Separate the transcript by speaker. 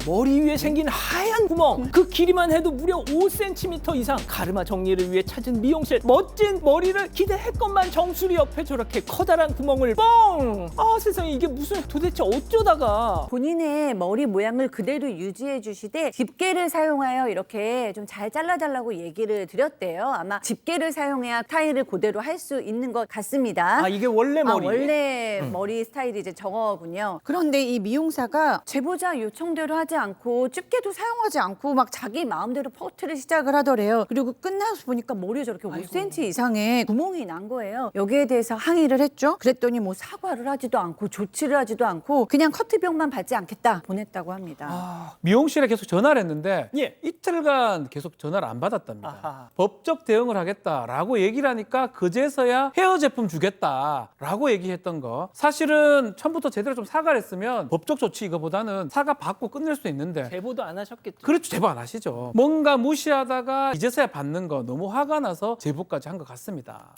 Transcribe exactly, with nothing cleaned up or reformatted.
Speaker 1: 머리 위에 생긴 하얀 구멍, 그 길이만 해도 무려 오 센티미터 이상. 가르마 정리를 위해 찾은 미용실. 멋진 머리를 기대했건만 정수리 옆에 저렇게 커다란 구멍을 뻥! 아 세상에, 이게 무슨, 도대체 어쩌다가.
Speaker 2: 본인의 머리 모양을 그대로 유지해 주시되 집게를 사용하여 이렇게 좀 잘 잘라달라고 얘기를 드렸대요. 아마 집게를 사용해야 스타일을 그대로 할 수 있는 것 같습니다.
Speaker 1: 아 이게 원래 머리?
Speaker 2: 아, 원래 머리 스타일이 이제 저거군요. 그런데 이 미용사가 제보자 요청대로 하지 않고 집게도 사용하지 않고 막 자기 마음대로 퍼트를 시작을 하더래요. 그리고 끝나서 보니까 머리에 저렇게 오 센티미터 이상의 구멍이 난 거예요. 여기에 대해서 항의를 했죠. 그랬더니 뭐 사과를 하지도 않고 조치를 하지도 않고 그냥 커트비용만 받지 않겠다 보냈다고 합니다.
Speaker 1: 아,
Speaker 3: 미용실에 계속 전화를 했는데
Speaker 1: 예.
Speaker 3: 이틀간 계속 전화를 안 받았답니다.
Speaker 1: 아하.
Speaker 3: 법적 대응을 하겠다라고 얘기를 하니까 그제서야 헤어 제품 주겠다라고 얘기했던 거. 사실은 처음부터 제대로 좀 사과를 했으면 법적 조치 이거보다는 사과 받고 끝낼 수 있는데
Speaker 1: 제보도 안 하셨겠죠.
Speaker 3: 그렇죠. 제보 안 하시죠. 뭔가 무시하다가 이제서야 받는 거 너무 화가 나서 제보까지 한 것 같습니다.